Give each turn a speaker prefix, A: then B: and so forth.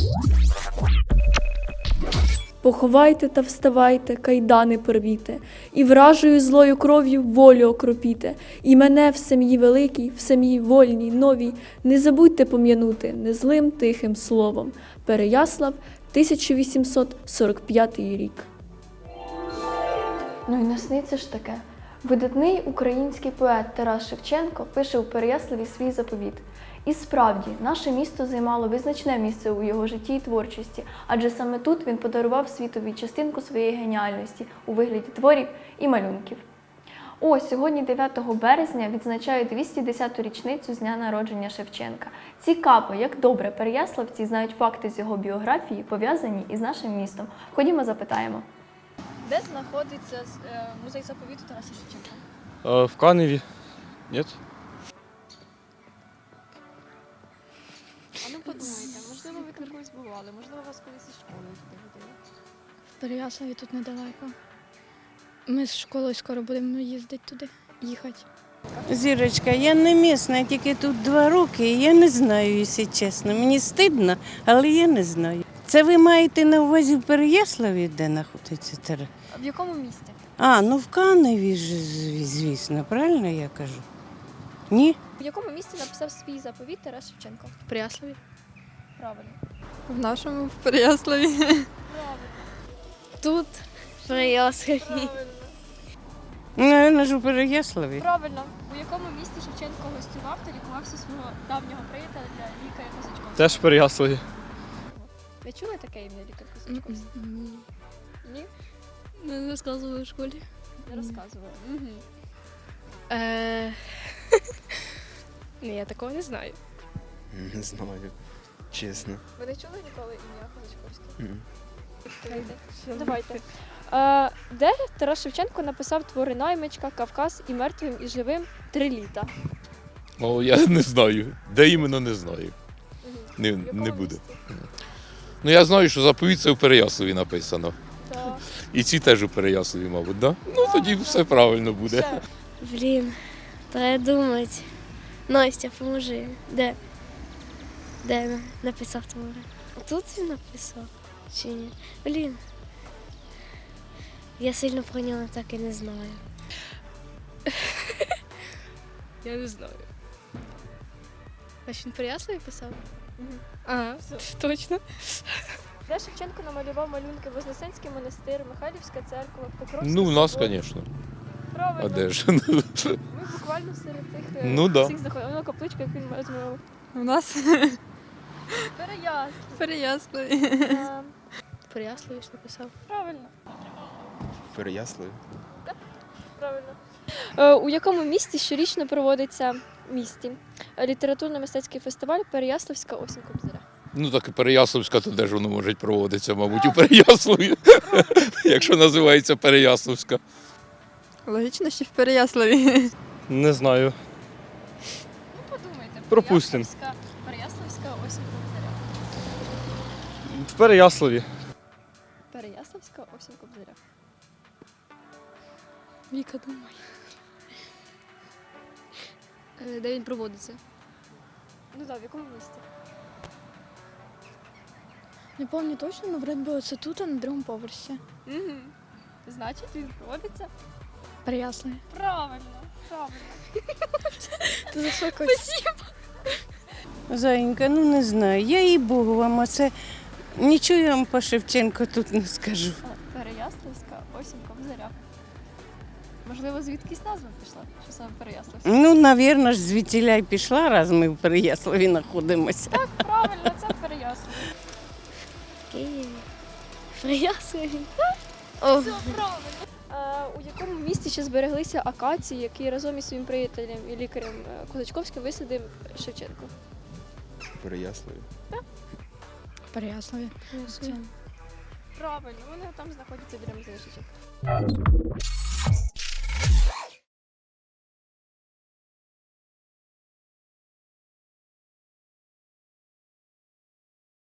A: Поховайте та вставайте, кайдани порвіте, і вражою злою кров'ю волю окропіте, і мене в сім'ї великій, в сім'ї вольній, новій, не забудьте пом'янути незлим тихим словом. Переяслав, 1845 рік. Ну і насниться ж таке. Видатний український поет Тарас Шевченко пише у Переяславі свій заповіт. І справді, наше місто займало визначне місце у його житті і творчості, адже саме тут він подарував світові частинку своєї геніальності у вигляді творів і малюнків. Ось, сьогодні 9 березня відзначають 210-ту річницю з дня народження Шевченка. Цікаво, як добре переяславці знають факти з його біографії, пов'язані із нашим містом. Ходімо запитаємо.
B: Де знаходиться музей заповіту Тараса Шевченка?
C: В Каневі. Ні?
B: А ну подумайте, можливо, ви колись бували, можливо, вас колись із школою туди водили.
D: В Переяславі тут недалеко. Ми з школою скоро будемо їздити туди, їхати.
E: Зірочка, я не місна, тільки тут 2 роки, і я не знаю, якщо чесно. Мені стидно, але я не знаю. Це ви маєте на увазі в Переяславі, де знаходиться тера?
B: А в якому місті?
E: Ну в Каневі ж, звісно, правильно я кажу? Ні?
B: В якому місті написав свій заповіт Тарас Шевченко?
D: В Переяславі.
B: Правильно.
F: В нашому в Переяславі.
B: Правильно.
D: Тут, в Переяславі.
B: Правильно.
E: Наверно ж у Переяславі.
B: Правильно. У якому місті Шевченко гостював та лікувався свого давнього приятеля лікаря Козачковського?
C: Теж в Переяславі.
B: Ви чули таке ім'я лікар Козачковський?
D: Ні.
B: Ні?
D: Не розказували в школі.
B: Не розказували. Угу.
D: Ні, я такого не знаю.
G: Не знаю, чесно.
B: Ви не чули ніколи ім'я Козачковський?
G: Мгм.
B: Давайте. Де Тарас Шевченко написав твори «Наймичка», «Кавказ» і «Мертвим і живим» 3 літа?
C: О, я не знаю. Де іменно, не знаю.
B: В
C: Не
B: якому
C: буде.
B: місті?
C: Ну я знаю, що заповідь це в Переяславі написано.
B: Так.
C: І ці теж у Переяславі, мабуть, да? Ну тоді все правильно буде.
B: Ще.
D: Блін, треба думати. Настя, поможи. Де? Де написав твори? Тут він написав? Чи ні? Блін. Я сильно про нього так і не знаю. Я не знаю. Значить, він Переяславі писав?
B: Мгм.
D: Ага, точно.
B: Де Шевченко намалював малюнки Вознесенський монастир, Михайлівська церква, Покровський
C: Ну, у нас,
B: собор?
C: звісно.
B: Правильно.
C: А де ж?
B: Ми буквально серед цих
C: Ну, да.
B: всіх заходимо. Воно капличка, як він розмовляв.
F: У нас
B: Переяслав.
F: в Переяславі.
D: Переяславі ж написав.
B: Правильно.
G: В Переяславі.
B: Правильно. У якому місті щорічно проводиться літературно-мистецький фестиваль Переяславська осінь Кобзаря?
C: Ну так і Переяславська, то де ж воно може проводитися, мабуть, у Переяславі, якщо називається Переяславська.
F: Логічно, що в Переяславі.
H: Не знаю.
B: Ну, подумайте.
H: Пропустим.
B: Переяславська осінь Кобзаря.
H: В Переяславі.
B: Переяславська осінь Кобзаря.
D: Віка, думай. Де він проводиться?
B: Ну так, в якому місті?
D: Не пам'ятаю точно, але вроді би це тут, а на другому поверсі.
B: Угу. Значить, він проводиться?
D: Переяславі.
B: Правильно. Правильно.
D: Ти за що
E: Зайенька, ну не знаю. Я їй Богу вам, а це нічого я вам по Шевченку тут не скажу.
B: Переяславська осінь Кобзаря. Можливо, звідкись назва пішла, що саме Переяславська?
E: Ну, навірно ж, звідтіля й пішла, раз ми в Переяславі знаходимося.
B: Так, правильно, це Переяслав.
D: Києві. Переяславі. О,
B: Все правильно. У якому місті ще збереглися акації, які разом із своїм приятелем і лікарем Козачковським висадив Шевченко?
G: В Переяславі.
D: Переяславі.
B: Правильно, вони там знаходяться біля музею Шевченка.